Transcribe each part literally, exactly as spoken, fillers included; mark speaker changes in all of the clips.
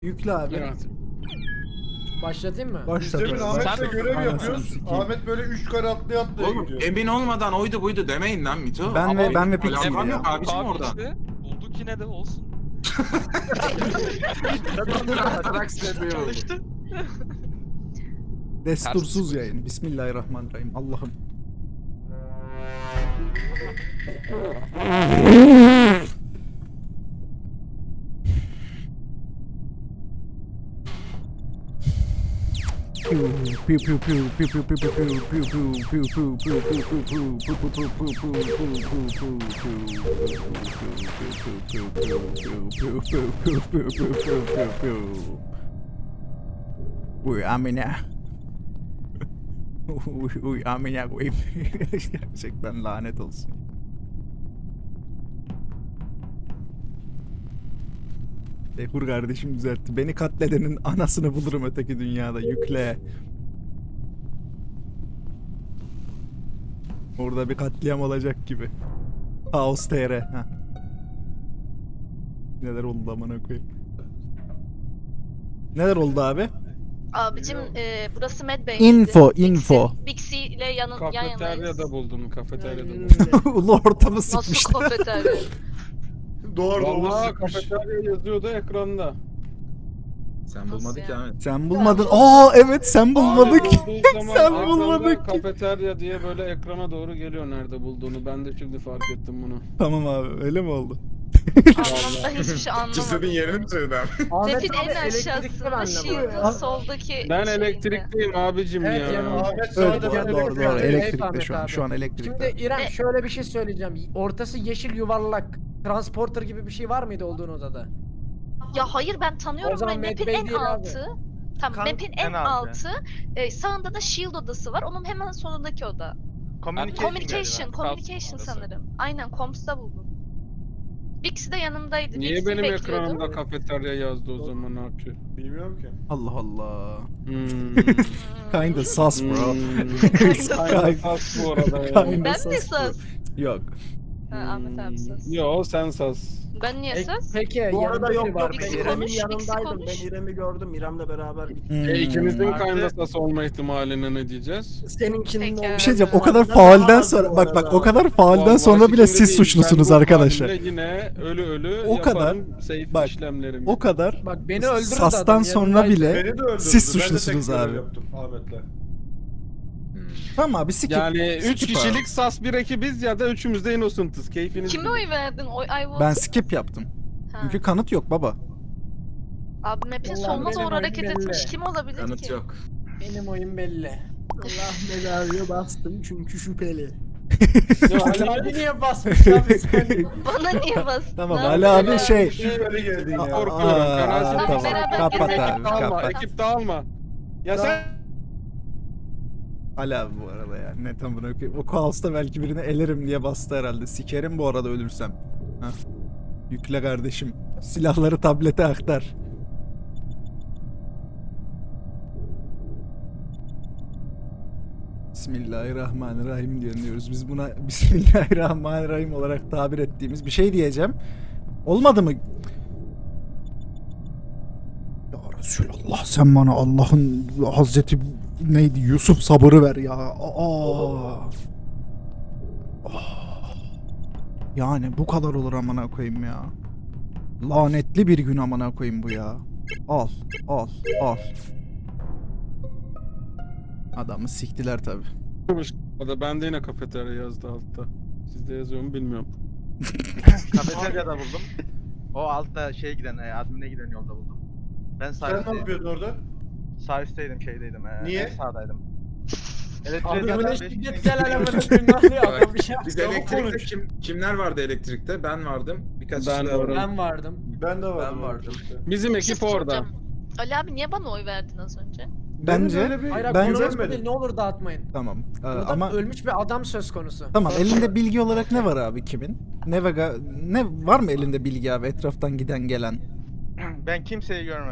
Speaker 1: Yükle abi.
Speaker 2: Evet.
Speaker 3: Başlatayım mı?
Speaker 1: Başla.
Speaker 4: Biz demin Ahmet'le
Speaker 2: Sen-
Speaker 4: görev
Speaker 1: Anasını
Speaker 4: yapıyoruz.
Speaker 1: sikeyim.
Speaker 4: Ahmet böyle üç kare atlaya atlaya
Speaker 5: Oğlum
Speaker 4: gidiyor.
Speaker 5: emin olmadan oydu buydu demeyin lan Mito.
Speaker 1: Ben ve- ben ve Pixie
Speaker 5: Alakam
Speaker 1: ya.
Speaker 5: yok abicim
Speaker 6: Abi
Speaker 5: orada.
Speaker 6: işte, bulduk yine de olsun. Çalıştı.
Speaker 1: Destursuz yayın. Bismillahirrahmanirrahim. Allah'ım. Uy amına. Uy, uy amına koyayım. Gerçekten lanet olsun. Behur kardeşim düzeltti. Beni katledenin anasını bulurum öteki dünyada. Yükle. Orada bir katliam olacak gibi. Kaos T R. Heh. Neler oldu amına koyayım. Neler oldu abi?
Speaker 7: Abicim e, burası Medbay.
Speaker 1: Info, info.
Speaker 7: Bixi ile yanın, yan yanayız.
Speaker 2: Kafeteryada buldum, kafeteryada buldum.
Speaker 1: Ulu ortamı
Speaker 7: Nasıl
Speaker 1: sıkmışlar.
Speaker 7: kafeterya?
Speaker 4: Doğru
Speaker 2: Vallahi
Speaker 4: doğru.
Speaker 2: kafeterya yazıyordu ekranda.
Speaker 5: Sen bulmadın ki
Speaker 7: yani?
Speaker 5: Ahmet.
Speaker 1: Sen bulmadın. Aa evet sen bulmadık.
Speaker 2: Bulduğu zaman
Speaker 1: Sen
Speaker 2: ekranda
Speaker 1: bulmadık ki.
Speaker 2: Kafeterya diye böyle ekrana doğru geliyor nerede bulduğunu. Ben de şimdi fark ettim bunu.
Speaker 1: Tamam abi öyle mi oldu?
Speaker 7: Anlam, ben hiçbir şey
Speaker 5: Cesedin
Speaker 7: anlamadım.
Speaker 5: yerini mi söyledin abi?
Speaker 3: Ahmet
Speaker 7: Map'in
Speaker 3: abi
Speaker 7: en
Speaker 3: elektrikli
Speaker 7: aşağısında
Speaker 3: bende bu.
Speaker 7: Shield'ın soldaki
Speaker 2: Ben
Speaker 7: şeyinde.
Speaker 2: elektrikteyim abicim
Speaker 3: Evet,
Speaker 2: ya.
Speaker 3: yani
Speaker 4: Ahmet
Speaker 1: Evet
Speaker 4: sağda
Speaker 1: doğru
Speaker 4: ben
Speaker 1: doğru, doğru.
Speaker 4: elektrikteyim.
Speaker 1: Elektrikte
Speaker 3: Ahmet
Speaker 1: şu an.
Speaker 3: abi.
Speaker 1: Şu an elektrikte.
Speaker 3: Şimdi İrem
Speaker 7: Ne?
Speaker 3: şöyle bir şey söyleyeceğim. Ortası yeşil yuvarlak. Transporter gibi bir şey var mıydı olduğun odada?
Speaker 7: Ya hayır ben
Speaker 3: O
Speaker 7: tanıyorum.
Speaker 3: zaman
Speaker 7: Ben map'in
Speaker 3: Medbay
Speaker 7: en
Speaker 3: değil abi.
Speaker 7: altı. Tamam
Speaker 3: Kan-
Speaker 7: map'in en
Speaker 6: en altı.
Speaker 7: altı. E, sağında da Shield odası var. Onun hemen sonundaki oda.
Speaker 6: Communication,
Speaker 7: Communication, communication
Speaker 6: orası.
Speaker 7: sanırım. Aynen, Coms'ta buldum. Bixi de yanımdaydı.
Speaker 2: Niye
Speaker 7: Bixi'yi
Speaker 2: benim
Speaker 7: bekliyordum.
Speaker 2: ekranımda kafeterya yazdı o zaman abi?
Speaker 4: Bilmiyorum ki.
Speaker 1: Allah Allah.
Speaker 2: Hmm.
Speaker 1: Kinda sus bro.
Speaker 2: Hmm. Aynen sas bu arada ya.
Speaker 1: Kinda
Speaker 7: Ben
Speaker 1: sus
Speaker 7: mi
Speaker 1: bro.
Speaker 7: sas?
Speaker 1: Yok.
Speaker 7: Ha, Ahmet abi sas.
Speaker 2: Hmm. Yo sen sas.
Speaker 7: Ben niye
Speaker 3: E,
Speaker 7: sas?
Speaker 3: Peki
Speaker 8: Bu arada
Speaker 3: yanında
Speaker 8: yok
Speaker 3: biri var.
Speaker 8: yok
Speaker 7: Bixi
Speaker 8: ben
Speaker 3: Peki.
Speaker 8: İrem'in
Speaker 7: konuş, Bixi
Speaker 8: yanındaydım.
Speaker 7: konuş.
Speaker 8: Ben İrem'i gördüm. İrem'le beraber gittik.
Speaker 1: Hmm.
Speaker 2: E, ikimizin
Speaker 8: Artı-
Speaker 2: kinda sas olma ihtimaline ne diyeceğiz?
Speaker 8: Seninkinin
Speaker 7: Peki.
Speaker 8: oldu.
Speaker 1: Bir şey diyeceğim o kadar
Speaker 8: Harbiden
Speaker 1: faalden
Speaker 8: daha
Speaker 1: sonra
Speaker 8: az
Speaker 1: bak
Speaker 8: bu
Speaker 1: bak
Speaker 8: arada.
Speaker 1: o kadar faalden
Speaker 2: Vallahi
Speaker 1: sonra bile
Speaker 2: şimdi
Speaker 1: siz
Speaker 2: değil,
Speaker 1: suçlusunuz
Speaker 2: ben bu
Speaker 1: arkadaşlar.
Speaker 2: halimle Yine ölü ölü
Speaker 1: O kadar-
Speaker 2: yaparım safe
Speaker 1: bak,
Speaker 2: işlemlerimi.
Speaker 1: O kadar
Speaker 3: Bak beni öldürdü
Speaker 1: sastan
Speaker 3: adam,
Speaker 1: sonra
Speaker 3: yanındaydı.
Speaker 1: bile
Speaker 4: Beni de öldürdü.
Speaker 1: siz
Speaker 4: Ben de tek
Speaker 1: suçlusunuz
Speaker 4: görev
Speaker 1: abi.
Speaker 4: yaptım Ahmet'le.
Speaker 1: Tamam abi skip.
Speaker 2: Yani üç
Speaker 1: skip abi.
Speaker 2: kişilik sas bir ekibiz ya da üçümüz de innocent'ız. Keyfiniz
Speaker 7: Kime
Speaker 2: bilir.
Speaker 7: oy verdin? Oy, I vote.
Speaker 1: Ben skip yaptım.
Speaker 7: Ha.
Speaker 1: Çünkü kanıt yok baba.
Speaker 7: Abi map'in
Speaker 3: Vallahi
Speaker 7: sonuna
Speaker 3: benim
Speaker 7: doğru
Speaker 3: oyun
Speaker 7: hareket
Speaker 3: belli.
Speaker 7: etmiş kim olabilir
Speaker 5: Kanıt
Speaker 7: ki?
Speaker 5: yok.
Speaker 3: Benim oyun belli.
Speaker 8: Allah belanı bastım çünkü şüpheli.
Speaker 2: Ya
Speaker 3: Ali
Speaker 2: Ali
Speaker 3: abi niye basmış abi sen?
Speaker 7: Bana niye bastın?
Speaker 1: Tamam
Speaker 7: Ne
Speaker 1: Ali
Speaker 7: yapıyorsun
Speaker 1: abi şey.
Speaker 4: Şüpheli geldin ya.
Speaker 2: korkuyorum.
Speaker 1: Aa,
Speaker 2: Fena
Speaker 1: tamam.
Speaker 2: tamam.
Speaker 7: Beraber
Speaker 1: Kapat
Speaker 7: gezelim.
Speaker 1: abi
Speaker 2: Ekip dağılma,
Speaker 1: kapat.
Speaker 2: ekip dağılma. Ya sen
Speaker 1: Ali abi bu arada ya. Ne tam bunu okuyayım. O kaosta belki birini elerim diye bastı herhalde. Sikerim bu arada ölürsem. Hah. Yükle kardeşim. Silahları tablete aktar. Bismillahirrahmanirrahim diyoruz. Biz buna Bismillahirrahmanirrahim olarak tabir ettiğimiz bir şey diyeceğim. Olmadı mı? Ya Resulallah sen bana Allah'ın Hazreti neydi Yusuf sabırı ver ya. Aa. Ah. Yani bu kadar olur amına koyayım ya. Lanetli bir gün amına koyayım bu ya. Al, al, al. Adamı siktiler tabi.
Speaker 2: o da bende yine kafeterya yazdı altta. Sizde yazıyor mu bilmiyorum.
Speaker 6: Kafeteryada buldum. O altta şey giden, e, admine giden yolda buldum. Ben sağ
Speaker 4: Sen ne
Speaker 6: üstteydim.
Speaker 4: yapıyordun orada?
Speaker 6: Sağ üstteydim, şeydeydim. E,
Speaker 4: Niye?
Speaker 6: En sağdaydım.
Speaker 3: Abi
Speaker 6: Elektriğe
Speaker 3: böyle
Speaker 6: zaten
Speaker 3: şiddet
Speaker 6: beş-
Speaker 3: gel alamına koyayım ne oluyor adam bir şey.
Speaker 5: Biz
Speaker 4: Çabuk
Speaker 5: elektrikte
Speaker 4: konuş.
Speaker 5: kim, kimler vardı elektrikte? Ben vardım. Birkaç
Speaker 2: Ben
Speaker 5: kişi daha vardı.
Speaker 3: Ben vardım.
Speaker 4: Ben de vardım.
Speaker 8: Ben vardım.
Speaker 2: Bizim
Speaker 7: Bir şey
Speaker 2: ekip orada.
Speaker 7: soracağım. Ali abi niye bana oy verdin az önce?
Speaker 1: Bence
Speaker 4: Benim öyle bir
Speaker 3: Hayır abi
Speaker 1: Bence-
Speaker 3: konuşma değil, ne olur dağıtmayın.
Speaker 1: tamam. Ee,
Speaker 3: Burada
Speaker 1: ama
Speaker 3: ölmüş bir adam söz konusu.
Speaker 1: tamam elinde bilgi olarak ne var abi kimin? Ne vega ne var mı elinde bilgi abi etraftan giden gelen?
Speaker 6: Ben kimseyi görmedim.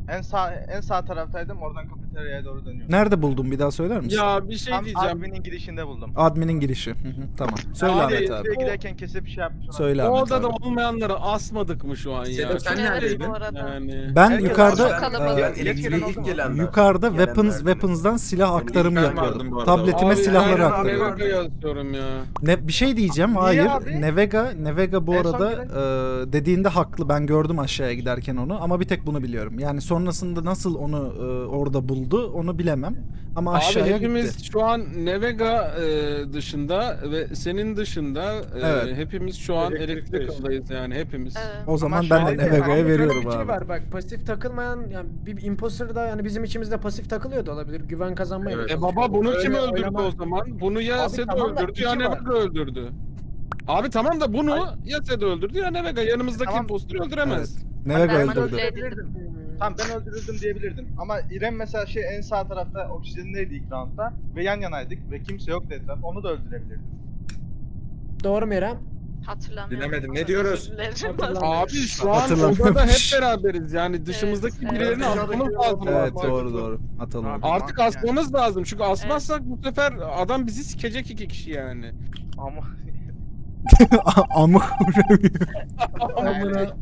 Speaker 6: En sağ en sağ taraftaydım. Oradan kafeteryaya doğru dönüyorum.
Speaker 1: Nerede buldun bir daha söyler misin?
Speaker 2: Ya bir şey
Speaker 6: Tam
Speaker 2: diyeceğim.
Speaker 6: adminin girişinde buldum.
Speaker 1: Admin'in girişi. Hı hı, tamam. Söyle
Speaker 2: Abi,
Speaker 1: Ahmet
Speaker 6: Oraya
Speaker 1: abi.
Speaker 6: giderken kesip şey yapmış.
Speaker 1: Söyle
Speaker 2: O
Speaker 1: Ahmet
Speaker 2: odada
Speaker 1: abi.
Speaker 2: olmayanları asmadık mı şu an ya?
Speaker 5: Sedat sen
Speaker 7: Evet,
Speaker 5: neredeydin?
Speaker 7: bu arada.
Speaker 2: Yani.
Speaker 1: Ben
Speaker 6: Herkes
Speaker 1: yukarıda
Speaker 7: çok kalabalık.
Speaker 1: e,
Speaker 9: Ben elektriğe ilk gelenler.
Speaker 1: yukarıda weapons
Speaker 9: Gelenlerden.
Speaker 1: weapons'dan silah
Speaker 9: Ben
Speaker 1: aktarımı
Speaker 5: ilk ben vardım
Speaker 1: yapıyordum.
Speaker 5: bu arada.
Speaker 1: Tabletime
Speaker 2: Abi,
Speaker 1: silahları
Speaker 2: aynen,
Speaker 1: aktarıyordum.
Speaker 2: Nevega yazıyorum ya.
Speaker 1: Ne bir şey diyeceğim.
Speaker 6: Niye
Speaker 1: Hayır.
Speaker 6: abi?
Speaker 1: Nevega Nevega bu
Speaker 6: En son
Speaker 1: arada
Speaker 6: gelen-
Speaker 1: e, dediğinde haklı. Ben gördüm aşağıya giderken onu ama bir tek bunu biliyorum. Yani sonrasında nasıl onu e, orada buldu onu bilemem. Ama
Speaker 2: Abi
Speaker 1: aşağıya
Speaker 2: hepimiz
Speaker 1: gitti.
Speaker 2: şu an Nevega e, dışında ve senin dışında e,
Speaker 1: Evet.
Speaker 2: hepimiz şu an
Speaker 4: Elektrikteyiz.
Speaker 2: elektrik odayız yani hepimiz.
Speaker 7: Evet.
Speaker 1: O zaman
Speaker 6: şu
Speaker 1: ben
Speaker 6: an-
Speaker 1: de Nevega'ya
Speaker 3: Ama şöyle
Speaker 1: veriyorum
Speaker 3: bir şey
Speaker 1: abi.
Speaker 3: var bak, pasif takılmayan yani bir imposter da yani bizim içimizde pasif takılıyor da olabilir. Güven kazanmaya
Speaker 5: Evet.
Speaker 3: da
Speaker 2: E
Speaker 3: çalışıyor.
Speaker 2: baba bunu
Speaker 3: Öyle
Speaker 2: kim öldürdü
Speaker 3: oynama-
Speaker 2: o zaman? Bunu ya
Speaker 3: Abi
Speaker 2: Sedo
Speaker 3: tamam da
Speaker 2: öldürdü ya
Speaker 3: iki var.
Speaker 2: Nevega öldürdü. Abi tamam da bunu ya Sedo öldürdü ya Nevega. Yanımızdaki
Speaker 6: Tamam.
Speaker 2: impostörü öldüremez.
Speaker 1: Nevega
Speaker 7: Ben
Speaker 1: öldürdü.
Speaker 7: manipüle edildim.
Speaker 6: Diyebilirdim. Tamam ben öldürüldüm diyebilirdim. Ama İrem mesela şey en sağ tarafta oksijendeydi ilk roundda. Ve yan yanaydık ve kimse yoktu etrafta. Onu da öldürebilirdim.
Speaker 3: Doğru mu İrem?
Speaker 7: Hatırlamıyorum.
Speaker 5: Bilemedim, ne diyoruz?
Speaker 3: Hatırlamıyorum.
Speaker 2: Abi şu an
Speaker 1: Hatırlamıyorum.
Speaker 2: odada hep beraberiz. Yani dışımızdaki
Speaker 7: Evet,
Speaker 2: birilerini
Speaker 4: evet.
Speaker 2: asmamız lazım.
Speaker 1: Evet
Speaker 2: artık.
Speaker 1: doğru doğru. Atalım.
Speaker 6: Abi.
Speaker 2: Artık
Speaker 6: Yani.
Speaker 2: asmamız lazım. Çünkü asmazsak bu sefer adam bizi sikecek iki kişi yani.
Speaker 6: Ama
Speaker 1: Amık.
Speaker 3: Amına.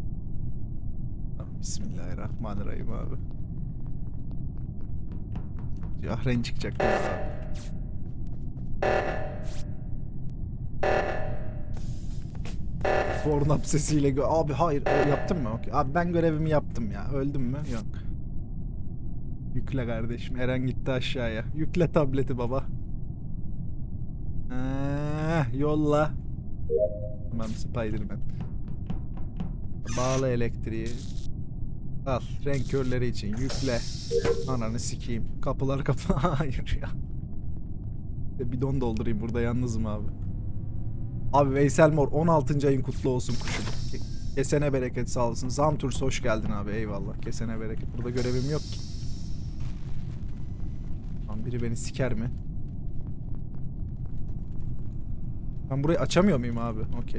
Speaker 1: Bismillahirrahmanirrahim abi. Yahren çıkacak. abi. Pornhub sesiyle gö- abi hayır o yaptın mı? Okey. Abi ben görevimi yaptım ya. Öldüm mü? Yok. Yükle kardeşim. Eren gitti aşağıya. Yükle tableti baba. Eh, yolla. Tamam Spiderman. Bağla elektriği. Al renk körleri için yükle. Ananı sikeyim. Kapılar kapı. Hayır ya. Bir de bidon doldurayım burada yalnızım abi. Abi Veysel Mor on altıncı ayın kutlu olsun kuşum. Ke- Kesene bereket sağ olasın. Zamturs hoş geldin abi eyvallah. Kesene bereket. Burada görevim yok ki. Lan biri beni siker mi? Ben burayı açamıyor muyum abi? Okey.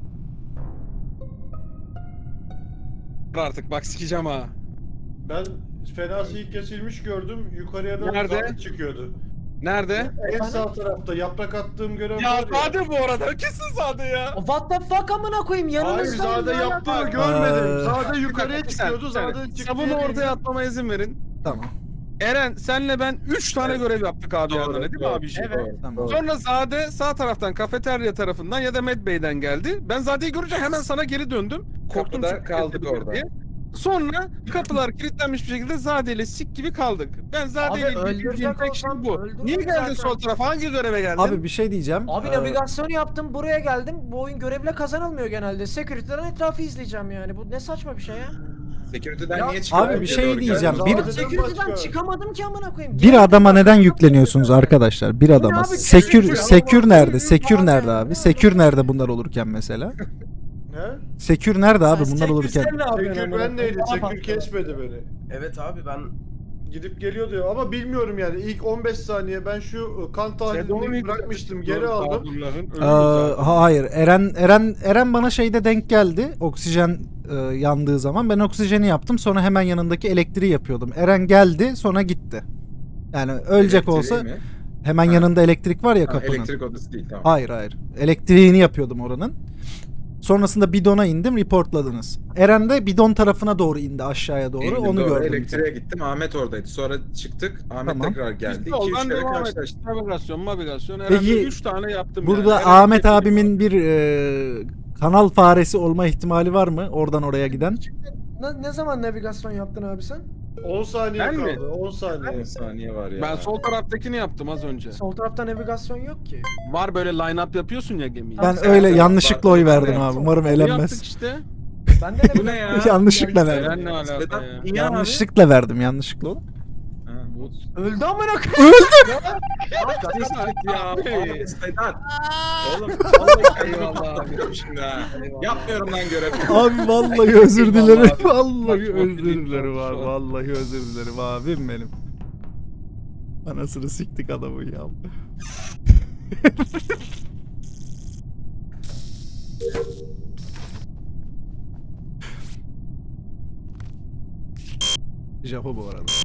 Speaker 2: Artık bak sikeceğim ha.
Speaker 4: Ben fenası ilk kesilmiş gördüm. Yukarıya da
Speaker 2: Nerede?
Speaker 4: zahmet çıkıyordu.
Speaker 2: Nerede?
Speaker 4: En sağ tarafta yaprak attığım görev
Speaker 2: Ya
Speaker 4: var ya.
Speaker 2: Zade bu arada. Kesin Zade ya.
Speaker 3: What the fuck amına koyayım
Speaker 4: Hayır
Speaker 3: yanımızda.
Speaker 4: Zade
Speaker 3: ya.
Speaker 4: yaptı görmedim.
Speaker 1: Ee,
Speaker 4: Zade yukarıya
Speaker 2: Bir
Speaker 4: çıkıyordu.
Speaker 2: saniye,
Speaker 4: Zade
Speaker 2: bir
Speaker 4: çıktı.
Speaker 2: saniye. Sabunu ortaya atmama izin verin.
Speaker 1: Tamam.
Speaker 2: Eren senle ben üç tane görev yaptık abi
Speaker 5: Doğru,
Speaker 2: yanına değil mi
Speaker 5: doğru.
Speaker 2: abi?
Speaker 6: Evet.
Speaker 1: Tamam.
Speaker 2: Sonra Zade sağ taraftan kafeterya tarafından ya da Med Bey'den geldi. Ben Zade'yi görünce hemen sana geri döndüm. Korktum
Speaker 5: Kapıda
Speaker 2: çünkü
Speaker 5: kaldık
Speaker 2: kesildi
Speaker 5: orada.
Speaker 2: diye. Sonra kapılar kilitlenmiş bir şekilde Zade ile sik gibi kaldık. Ben Zade ile
Speaker 3: Abi
Speaker 2: ilgili bildiğim
Speaker 3: öldürecek
Speaker 2: tek şey
Speaker 3: olsam
Speaker 2: bu.
Speaker 3: öldürürüm
Speaker 2: Niye geldin
Speaker 3: zaten.
Speaker 2: sol tarafa? Hangi göreve geldin?
Speaker 1: Abi bir şey diyeceğim.
Speaker 3: Abi
Speaker 1: Ee,
Speaker 3: navigasyon yaptım buraya geldim. Bu oyun görevle kazanılmıyor genelde. Security'den etrafı izleyeceğim yani. Bu ne saçma bir şey ya.
Speaker 5: Security'den
Speaker 3: Ya-
Speaker 5: niye çıkıyor?
Speaker 1: Abi bir şey
Speaker 5: Doğru
Speaker 1: diyeceğim.
Speaker 5: geldi.
Speaker 1: Bir-
Speaker 4: Zade'den
Speaker 3: Security'den
Speaker 4: başka.
Speaker 3: çıkamadım ki amına koyayım.
Speaker 1: Bir
Speaker 3: Gerek
Speaker 1: adama
Speaker 3: yok.
Speaker 1: neden yükleniyorsunuz arkadaşlar? Bir adama.
Speaker 3: abi,
Speaker 1: Sekür
Speaker 3: security,
Speaker 1: sekür
Speaker 3: Allah
Speaker 1: nerede?
Speaker 3: Allah.
Speaker 1: Sekür nerede abi? Sekür nerede bunlar olurken mesela?
Speaker 4: He?
Speaker 1: Sekür nerede abi
Speaker 3: Sen
Speaker 1: bunlar olurken?
Speaker 3: Security sen ne yapıyorsun
Speaker 4: Sekür
Speaker 3: amına
Speaker 4: ben neydi?
Speaker 3: koyayım?
Speaker 4: Sekür kesmedi beni.
Speaker 9: Evet abi ben
Speaker 4: Gidip geliyor diyor ama bilmiyorum yani ilk on beş saniye ben şu kan
Speaker 2: Sedo'nun
Speaker 4: tahlilini
Speaker 2: ilk-
Speaker 4: bırakmıştım geri aldım.
Speaker 2: Abdullah'ın ölümü
Speaker 1: Ee,
Speaker 2: zaten.
Speaker 1: hayır. Eren Eren Eren bana şeyde denk geldi. Oksijen e, yandığı zaman ben oksijeni yaptım. Sonra hemen yanındaki elektriği yapıyordum. Eren geldi, sonra gitti. Yani ölecek
Speaker 5: Elektriği
Speaker 1: olsa
Speaker 5: mi?
Speaker 1: hemen
Speaker 5: Ha.
Speaker 1: yanında elektrik var ya
Speaker 5: Ha,
Speaker 1: kapının.
Speaker 5: elektrik odası değil tamam.
Speaker 1: Hayır hayır. Elektriğini yapıyordum oranın. Sonrasında bidona indim, reportladınız. Eren de bidon tarafına doğru indi, aşağıya doğru.
Speaker 5: İndim,
Speaker 1: Onu
Speaker 5: doğru.
Speaker 1: gördüm.
Speaker 5: Elektriğe gittim. Ahmet oradaydı. Sonra çıktık. Ahmet
Speaker 1: Tamam.
Speaker 5: tekrar geldi.
Speaker 2: Biz
Speaker 5: iki
Speaker 2: yoldan
Speaker 5: üç kere
Speaker 2: devam ettik.
Speaker 5: karşılaştık.
Speaker 2: Navigasyon, navigasyon.
Speaker 1: Peki,
Speaker 2: Peki, üç tane yaptım
Speaker 1: Burada
Speaker 2: yani. Eren
Speaker 1: Ahmet
Speaker 2: kesildi.
Speaker 1: abimin bir e, kanal faresi olma ihtimali var mı? Oradan oraya giden.
Speaker 3: Ne, ne zaman navigasyon yaptın abi sen?
Speaker 4: on saniye
Speaker 2: Ben mi?
Speaker 4: kaldı. on saniye.
Speaker 5: on saniye var ya.
Speaker 2: Ben sol taraftakini yaptım az önce.
Speaker 3: Sol tarafta navigasyon yok ki.
Speaker 2: Var böyle line up yapıyorsun ya gemiyi.
Speaker 1: Ben
Speaker 5: sen
Speaker 1: öyle
Speaker 5: de
Speaker 1: yanlışlıkla oy
Speaker 5: yaptın.
Speaker 1: verdim abi. Umarım
Speaker 2: Onu yaptık
Speaker 1: elenmez.
Speaker 2: işte.
Speaker 3: Ben de
Speaker 5: Bu ne ya?
Speaker 1: Yanlışlıkla verdim.
Speaker 2: Eren ne alaka
Speaker 5: Sedat,
Speaker 2: ya?
Speaker 5: niye abi?
Speaker 1: Yanlışlıkla verdim, yanlışlıkla oğlum.
Speaker 5: Ha.
Speaker 3: Öldü amına koyayım.
Speaker 5: Sedat ya. Abi, Sedat. Oğlum vallahi kendimi patlatıyorum şimdi ha. Yapmıyorum lan görev.
Speaker 1: Abi vallahi özür dilerim.
Speaker 2: Eyvallah abi.
Speaker 1: Vallahi
Speaker 2: Saçma
Speaker 1: özür
Speaker 2: bir link
Speaker 1: dilerim
Speaker 2: olmuş
Speaker 1: abi.
Speaker 2: şu an.
Speaker 1: Vallahi özür dilerim abim benim. Anasını siktik adamı ya. Japo bu arada.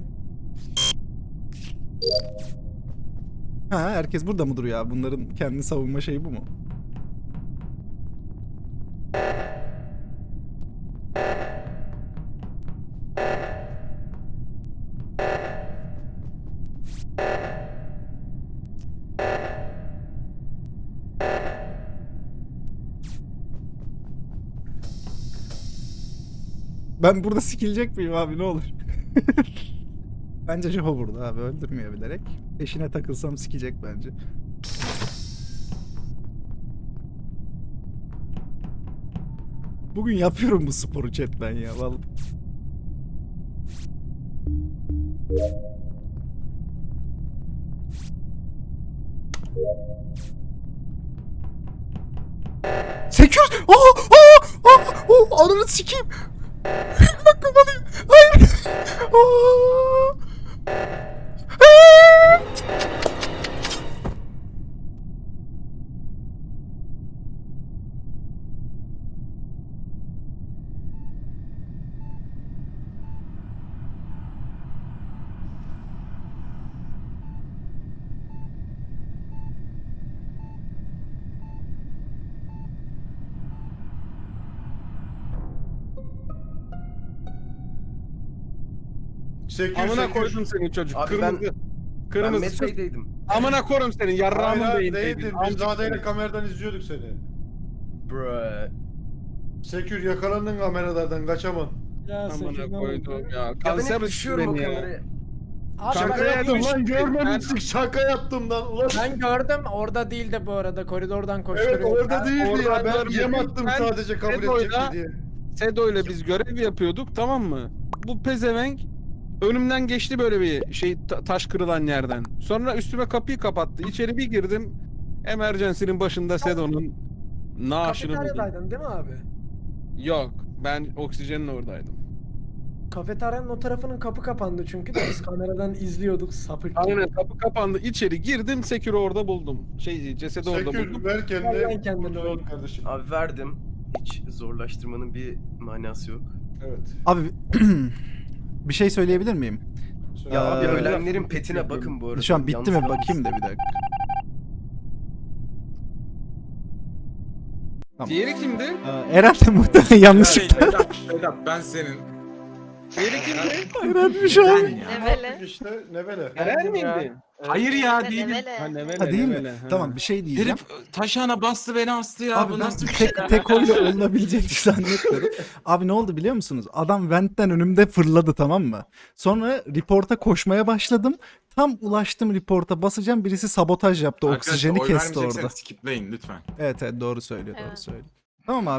Speaker 1: Ha, herkes burada mı duruyor ya? Bunların kendi savunma şeyi bu mu? Ben burada sikilecek miyim abi, ne olur? Bence Japo burada abi, öldürmüyor bilerek. Peşine takılsam sikecek bence. Bugün yapıyorum bu sporu chat ben ya vallahi. Sekür! Aa! Aa! Aa! Oh, ananı sikeyim! Bakın alayım! Hayır! Aa! Aa!
Speaker 4: Sekür
Speaker 2: Amına
Speaker 4: sekür.
Speaker 2: koydum seni çocuk.
Speaker 9: Abi
Speaker 2: Kırmızı.
Speaker 9: Ben
Speaker 2: Kırmızı.
Speaker 9: Medbay'deydim.
Speaker 2: Amına korum senin.
Speaker 4: Hayır
Speaker 2: Yarrağımın
Speaker 4: hayır
Speaker 2: değildi.
Speaker 4: değildin. Biz Zade'yle kameradan izliyorduk seni.
Speaker 9: Bruh.
Speaker 4: Sekür yakalandın kameralardan kaçaman.
Speaker 3: Ya
Speaker 2: Amına koydum ya.
Speaker 9: Ya ben
Speaker 2: Kanser
Speaker 9: hep
Speaker 2: ettin
Speaker 9: düşüyorum o
Speaker 2: beni ya.
Speaker 9: kameraya.
Speaker 3: Abi
Speaker 2: Şaka
Speaker 3: ben,
Speaker 4: Şaka yaptım
Speaker 2: yapmış.
Speaker 4: lan görmemişsin. Şaka yaptım lan. Ulan.
Speaker 3: ben gördüm orada değildi bu arada koridordan
Speaker 4: Evet
Speaker 3: koşturuyor.
Speaker 4: orada değildi ya.
Speaker 2: oradan
Speaker 4: Ben
Speaker 2: görmedim.
Speaker 4: yem attım
Speaker 2: Ben
Speaker 4: sadece kabul
Speaker 2: Sedo'yla-
Speaker 4: edecek mi diye.
Speaker 2: Sedo ile biz görev yapıyorduk, tamam mı? Bu pezevenk önümden geçti böyle bir şey, ta- taş kırılan yerden. Sonra üstüme kapıyı kapattı. İçeri bir girdim. Emergency'nin başında Sedo'nun naaşını buldum.
Speaker 3: Kafeteryadaydın değil mi abi?
Speaker 2: Yok, ben oksijenin oradaydım.
Speaker 3: Kafeteryanın o tarafının kapı kapandı çünkü de biz kameradan izliyorduk sapık gibi.
Speaker 2: Aynen, kapı kapandı. İçeri girdim, Sekür'ü orada buldum. Şey, cesedi orada
Speaker 4: Sekür
Speaker 2: buldum.
Speaker 4: ver
Speaker 3: Ver
Speaker 4: kendine.
Speaker 3: lan kendini
Speaker 4: Kurtulalım
Speaker 3: oğlum.
Speaker 4: kardeşim.
Speaker 9: Abi verdim. Hiç zorlaştırmanın bir manası yok.
Speaker 4: Evet.
Speaker 1: Abi bir şey söyleyebilir miyim?
Speaker 4: Söyle.
Speaker 1: Ya
Speaker 9: Abi
Speaker 1: Ee,
Speaker 9: ölenlerin petine bakın bu arada.
Speaker 1: Şu an bitti mi?
Speaker 9: Yalnız
Speaker 1: Bakayım da bir dakika. Tamam.
Speaker 2: Diğeri kimdi?
Speaker 1: Ee, Eren de muhtemelen yanlışlıkla.
Speaker 5: Vedat, Vedat ben senin.
Speaker 2: Diğeri kimdi?
Speaker 1: Eren'miş abi.
Speaker 5: Ben ya.
Speaker 7: Nevele.
Speaker 4: İşte ne böyle.
Speaker 2: Eren miydi?
Speaker 5: Hayır ya
Speaker 7: Nevele,
Speaker 5: değilim.
Speaker 7: Nevele.
Speaker 2: Ha, Nevele,
Speaker 1: Ha değil mi?
Speaker 2: Nevele, ha.
Speaker 1: Tamam, bir şey diyeceğim.
Speaker 5: Herif taşağına bastı beni astı ya.
Speaker 1: Abi
Speaker 5: Bu
Speaker 1: ben
Speaker 5: nasıl bir şey?
Speaker 1: tek, tek oyla olunabileceğini zannetmiyorum. Abi ne oldu biliyor musunuz? Adam ventten önümde fırladı, tamam mı? Sonra reporta koşmaya başladım. Tam ulaştım reporta basacağım. Birisi sabotaj yaptı.
Speaker 5: Arkadaşlar,
Speaker 1: Oksijeni
Speaker 5: oy
Speaker 1: kesti orada.
Speaker 5: vermeyecekseniz skipleyin lütfen.
Speaker 1: Evet evet, doğru söylüyor, doğru
Speaker 7: Evet.
Speaker 1: söylüyor. Tamam abi.